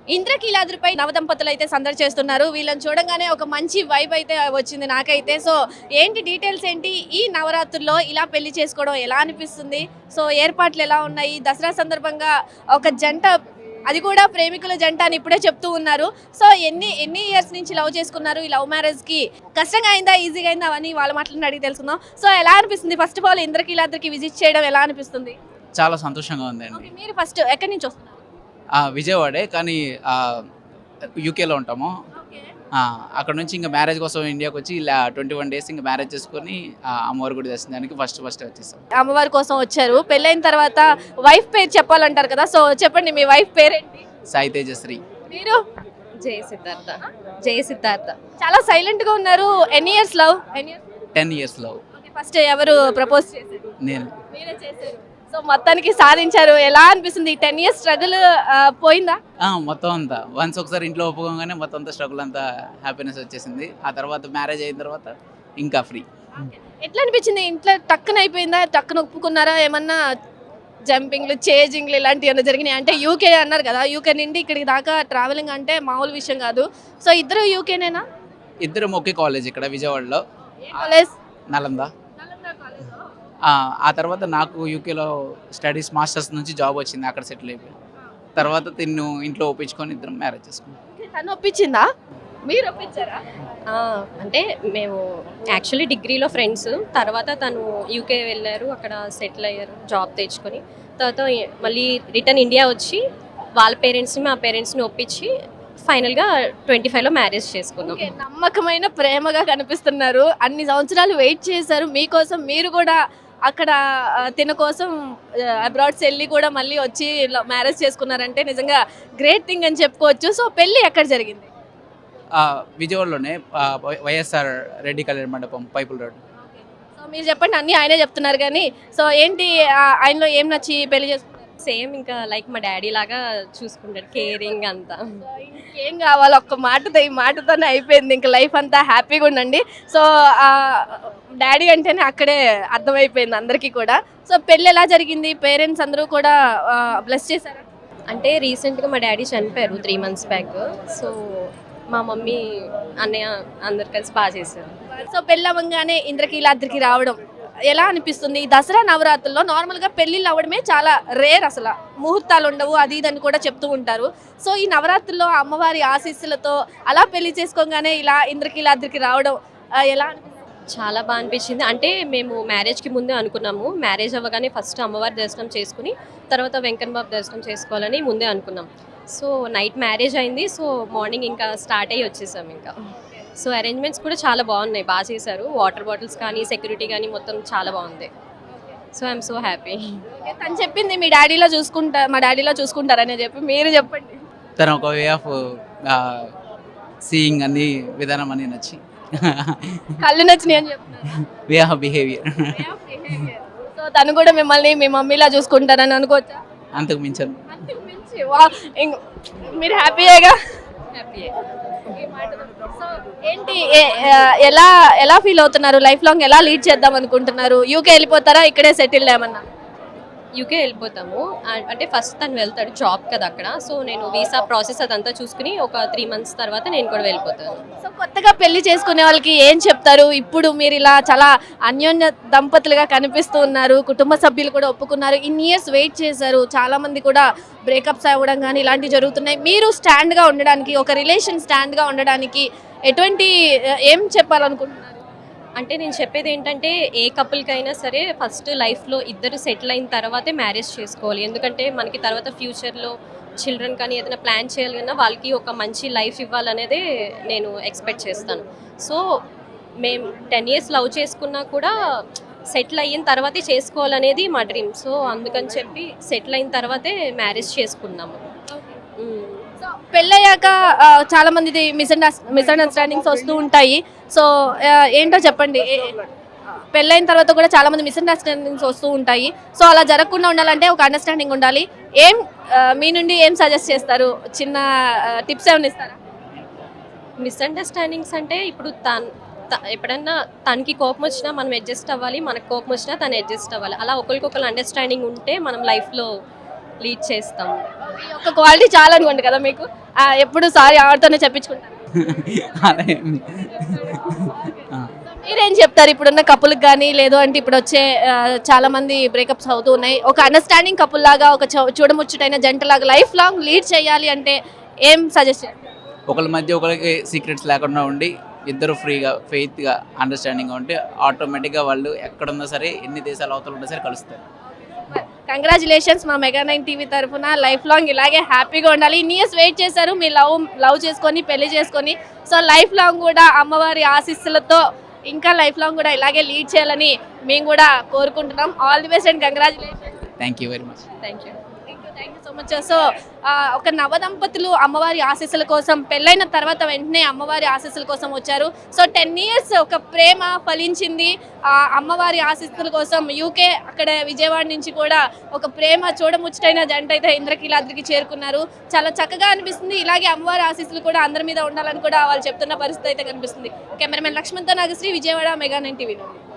ఇంద్రకీలాద్రిపై నవదంపతులు అయితే సందడి చేస్తున్నారు. వీళ్ళని చూడంగానే ఒక మంచి వైబ్ అయితే వచ్చింది నాకైతే. సో ఏంటి డీటెయిల్స్ ఏంటి? ఈ నవరాత్రుల్లో ఇలా పెళ్లి చేసుకోవడం ఎలా అనిపిస్తుంది? సో ఏర్పాట్లు ఎలా ఉన్నాయి? దసరా సందర్భంగా ఒక జంట, అది కూడా ప్రేమికుల జంట అని ఇప్పుడే చెప్తూ ఉన్నారు. సో ఎన్ని ఎన్ని ఇయర్స్ నుంచి లవ్ చేసుకున్నారు? ఈ లవ్ మ్యారేజ్ కి కష్టంగా అయిందా, ఈజీగా అయిందా అని వాళ్ళ మాటలను అడిగి తెలుసుకుందాం. సో ఎలా అనిపిస్తుంది? ఫస్ట్ ఆఫ్ ఆల్ ఇంద్రకీలాద్రికి విజిట్ చేయడం ఎలా అనిపిస్తుంది? చాలా సంతోషంగా ఉందండి. ఓకే, మీరు ఫస్ట్ ఎక్కడి నుంచి వస్తున్నారు? విజయవాడే, కానీ యూకేలో ఉంటాము. ఓకే. అక్కడ నుంచి ఇంకా మ్యారేజ్ కోసం ఇండియాకి వచ్చి ఇలా 21 days ఇంకా మ్యారేజ్ చేసుకొని అమ్మవారి గుడి దర్శనానికి ఫస్ట్ వచ్చేసాం. అమ్మవారి కోసం వచ్చారు. పెళ్ళైన తర్వాత వైఫ్ పేరు చెప్పాలంటారు కదా, సో చెప్పండి మీ వైఫ్ పేరేంటి? సాయి తేజశ్రీ. మీరు? జయ సిద్ధార్థ. జయ సిద్ధార్థ. చాలా సైలెంట్ గా ఉన్నారు. ఎన్ని years love? 10 years love. First ఎవరు ప్రపోజ్ చేశారు? నేను. మీరే చేశారు. సో మొత్తానికి సాధించారు. ఎలా అనిపిస్తుంది? 10 years స్ట్రగుల్ పోయిందా? మొత్తం అంతా వన్స్ ఒకసారి ఇంట్లో ఒప్పుకోగానే మొత్తం అంతా స్ట్రగుల్ అంతా హ్యాపీనెస్ వచ్చేసింది. ఆ తర్వాత మ్యారేజ్ అయిన తర్వాత ఇంకా ఫ్రీ. ఎట్లా అనిపించింది? ఇంట్లో టక్కున అయిపోయిందా? టక్కున ఒప్పుకున్నారా? ఏమన్నా జంపింగ్లు, చేజింగ్లు ఇలాంటివి ఏమైనా జరిగినాయి? అంటే యూకే అన్నారు కదా, యూకే నుండి ఇక్కడికి దాకా ట్రావెలింగ్ అంటే మామూలు విషయం కాదు. సో ఇద్దరు యూకేనేనా? ఇద్దరం ఒకే కాలేజ్ ఇక్కడ విజయవాడలో, ఏ కాలేజ్? నలంద. ఆ తర్వాత నాకు యూకేలో స్టడీస్ మాస్టర్స్ నుంచి జాబ్ వచ్చింది, అక్కడ సెటిల్ అయిపోయాను. తర్వాత తిన్ను ఇంట్లో ఒప్పించుకొని ఇద్దరం మ్యారేజ్ చేసుకున్నాం. తను ఒప్పించిందా? మీరు ఒప్పించారా? అంటే మేము యాక్చువల్లీ డిగ్రీలో ఫ్రెండ్స్. తర్వాత తను యూకే వెళ్ళారు, అక్కడ సెటిల్ అయ్యారు, జాబ్ తెచ్చుకొని. తర్వాత మళ్ళీ రిటర్న్ ఇండియా వచ్చి వాళ్ళ పేరెంట్స్ని మా పేరెంట్స్ని ఒప్పించి ఫైనల్గా 25లో మ్యారేజ్ చేసుకున్నాం. నమ్మకమైన ప్రేమగా కనిపిస్తున్నారు. అన్ని సంవత్సరాలు వెయిట్ చేశారు మీకోసం. మీరు కూడా అక్కడ తిన కోసం అబ్రాడ్స్ వెళ్ళి కూడా మళ్ళీ వచ్చి మ్యారేజ్ చేసుకున్నారంటే నిజంగా గ్రేట్ థింగ్ అని చెప్పుకోవచ్చు. సో పెళ్ళి ఎక్కడ జరిగింది? విజయవాడలోనే వైఎస్ఆర్ రెడ్డి కళ్యాణ మండపం, పైపుల్ రోడ్. సో మీరు చెప్పండి, అన్నీ ఆయనే చెప్తున్నారు కానీ. సో ఏంటి ఆయనలో ఏం నచ్చి పెళ్లి చేసుకున్నారు? సేమ్ ఇంకా లైక్ మా డాడీ లాగా చూసుకుంటాడు, కేరింగ్ అంతా. ఏం కావాలి? ఒక్క మాటతో, ఈ మాటతోనే అయిపోయింది. ఇంకా లైఫ్ అంతా హ్యాపీగా ఉండండి. సో డాడీ అంటేనే అక్కడే అర్థమైపోయింది అందరికీ కూడా. సో పెళ్ళి ఎలా జరిగింది? పేరెంట్స్ అందరూ కూడా బ్లెస్ చేశారా? అంటే రీసెంట్గా మా డాడీ చనిపోయారు 3 months బ్యాక్. సో మా మమ్మీ, అన్నయ్య అందరు కలిసి బాగా చేశారు. సో పెళ్ళి అవ్వగానే ఇంద్రకీలాద్రికి రావడం ఎలా అనిపిస్తుంది? ఈ దసరా నవరాత్రుల్లో నార్మల్గా పెళ్ళిళ్ళు అవ్వడమే చాలా రేర్, అసలు ముహూర్తాలు ఉండవు, అది ఇదని కూడా చెప్తూ ఉంటారు. సో ఈ నవరాత్రుల్లో అమ్మవారి ఆశీస్సులతో అలా పెళ్లి చేసుకోగానే ఇలా ఇంద్రకీలాద్రికి రావడం ఎలా అనిపిస్తుంది? చాలా బాగా అనిపించింది. అంటే మేము మ్యారేజ్కి ముందే అనుకున్నాము, మ్యారేజ్ అవ్వగానే ఫస్ట్ అమ్మవారి దర్శనం చేసుకుని తర్వాత వెంకన్న బాబు దర్శనం చేసుకోవాలని ముందే అనుకున్నాం. సో నైట్ మ్యారేజ్ అయింది. సో మార్నింగ్ ఇంకా స్టార్ట్ అయ్యి వచ్చేసాం ఇంకా. సో అరేంజ్మెంట్స్ కూడా చాలా బాగున్నాయి, బాగా చేశారు. వాటర్ బాటిల్స్ కానీ, సెక్యూరిటీ కానీ మొత్తం చాలా బాగుంది. So I'm so happy. తను చెప్పింది మీ మా డాడీలో చూసుకుంటారని చెప్పి, మీరు చెప్పండి. తను ఒక వే ఆఫ్ సీయింగ్ అన్ని విధానం అని నచ్చి కళ్ళు నచ్చినాయి అని చెప్తున్నారు. Way of behaviour. సో తను కూడా మిమ్మల్ని మీ మమ్మీలా చూసుకుంటారని అనుకోవచ్చా? అంతకు మించను. మీరు హ్యాపీయేగా? సో ఏంటి, ఎలా ఎలా ఫీల్ అవుతున్నారు? లైఫ్ లాంగ్ ఎలా లీడ్ చేద్దాం అనుకుంటున్నారు? యూకే వెళ్ళిపోతారా, ఇక్కడే సెటిల్ ఏమన్నా? యూకే వెళ్ళిపోతాము. అంటే ఫస్ట్ తను వెళ్తాడు, జాబ్ కదా అక్కడ. సో నేను వీసా ప్రాసెస్ అదంతా చూసుకుని ఒక 3 months తర్వాత నేను కూడా వెళ్ళిపోతాను. సో కొత్తగా పెళ్లి చేసుకునే వాళ్ళకి ఏం చెప్తారు? ఇప్పుడు మీరు ఇలా చాలా అన్యోన్య దంపతులుగా కనిపిస్తూ ఉన్నారు, కుటుంబ సభ్యులు కూడా ఒప్పుకున్నారు, ఇన్ని ఇయర్స్ వెయిట్ చేశారు, చాలా మంది కూడా బ్రేకప్స్ అవ్వడం కానీ ఇలాంటివి జరుగుతున్నాయి. మీరు స్టాండ్గా ఉండడానికి, ఒక రిలేషన్ స్టాండ్గా ఉండడానికి ఎటువంటి ఏం చెప్పాలనుకుంటున్నారు? అంటే నేను చెప్పేది ఏంటంటే, ఏ కపుల్కైనా సరే ఫస్ట్ లైఫ్లో ఇద్దరు సెటిల్ అయిన తర్వాతే మ్యారేజ్ చేసుకోవాలి. ఎందుకంటే మనకి తర్వాత ఫ్యూచర్లో చిల్డ్రన్ కానీ ఏదైనా ప్లాన్ చేయాలన్నా వాళ్ళకి ఒక మంచి లైఫ్ ఇవ్వాలనేదే నేను ఎక్స్పెక్ట్ చేస్తాను. సో మేము 10 years లవ్ చేసుకున్నా కూడా సెటిల్ అయిన తర్వాతే చేసుకోవాలనేది మా డ్రీమ్. సో అందుకని చెప్పి సెటిల్ అయిన తర్వాతే మ్యారేజ్ చేసుకున్నాము. సో పెళ్ళయ్యాక చాలా మంది మిస్అండర్స్టాండింగ్స్ వస్తూ ఉంటాయి. సో ఏంటో చెప్పండి. పెళ్ళైన తర్వాత కూడా చాలా మంది మిస్అండర్స్టాండింగ్స్ వస్తూ ఉంటాయి. సో అలా జరగకుండా ఉండాలంటే ఒక అండర్స్టాండింగ్ ఉండాలి. మీ నుండి ఏం సజెస్ట్ చేస్తారు? చిన్న టిప్స్ ఏమైనా ఇస్తారా? మిస్అండర్స్టాండింగ్స్ అంటే ఇప్పుడు ఎప్పుడన్నా తనకి కోపం వచ్చినా మనం అడ్జస్ట్ అవ్వాలి, మనకు కోపం వచ్చినా తను అడ్జస్ట్ అవ్వాలి. అలా ఒకరికొకరు అండర్స్టాండింగ్ ఉంటే మనం లైఫ్లో లీడ్ చేస్తాము. ఈ యొక్క క్వాలిటీ చాలా అనుకోండి కదా మీకు. ఎప్పుడు సారీ ఆవిడతోనే చెప్పించుకుంటారు. అలా ఏమి- ఆ. మీరేం చెప్తారు ఇప్పుడున్న కపుల్కి కానీ లేదు అంటే ఇప్పుడు వచ్చే చాలా మంది బ్రేకప్స్ అవుతూ ఉన్నాయి. ఒక అండర్స్టాండింగ్ కపుల్ లాగా ఒక చూడముచ్చటైన జంటలాగా లైఫ్ లాంగ్ లీడ్ చేయాలి అంటే ఏం సజెస్ట్ చేస్తారు? ఒకళ్ళ మధ్య ఒకరికి సీక్రెట్స్ లేకుండా ఉండి ఇద్దరు ఫ్రీగా ఫెయిత్గా అండర్స్టాండింగ్గా ఉంటే ఆటోమేటిక్గా వాళ్ళు ఎక్కడున్నా సరే ఎన్ని దేశాల అవతల ఉన్నా సరే కలుస్తారు. కంగ్రాచులేషన్స్ మా మెగా9 టీవీ తరఫున. లైఫ్ లాంగ్ ఇలాగే హ్యాపీగా ఉండాలి. ఇన్ని ఇయర్స్ వెయిట్ చేశారు మీ లవ్ చేసుకొని పెళ్లి చేసుకొని. సో లైఫ్ లాంగ్ కూడా అమ్మవారి ఆశీస్సులతో ఇంకా లైఫ్ లాంగ్ కూడా ఇలాగే లీడ్ చేయాలని మేము కూడా కోరుకుంటున్నాం. All the best and congratulations. Thank you very much. Thank you. Thank you so much. So ఒక నవదంపతులు అమ్మవారి ఆశీస్సుల కోసం పెళ్ళైన తర్వాత వెంటనే అమ్మవారి ఆశీస్సుల కోసం వచ్చారు. సో 10 years ఒక ప్రేమ ఫలించింది. అమ్మవారి ఆశీస్సుల కోసం యూకే అక్కడ విజయవాడ నుంచి కూడా ఒక ప్రేమ చూడముచ్చటైన జంట అయితే ఇంద్రకీలాద్రికి చేరుకున్నారు. చాలా చక్కగా అనిపిస్తుంది. ఇలాగే అమ్మవారి ఆశీస్సులు కూడా అందరి మీద ఉండాలని కూడా వాళ్ళు చెప్తున్న పరిస్థితి అయితే కనిపిస్తుంది. కెమెరామెన్ లక్ష్మణ్తో నాగశ్రీ, విజయవాడ, మెగా9 టీవీ.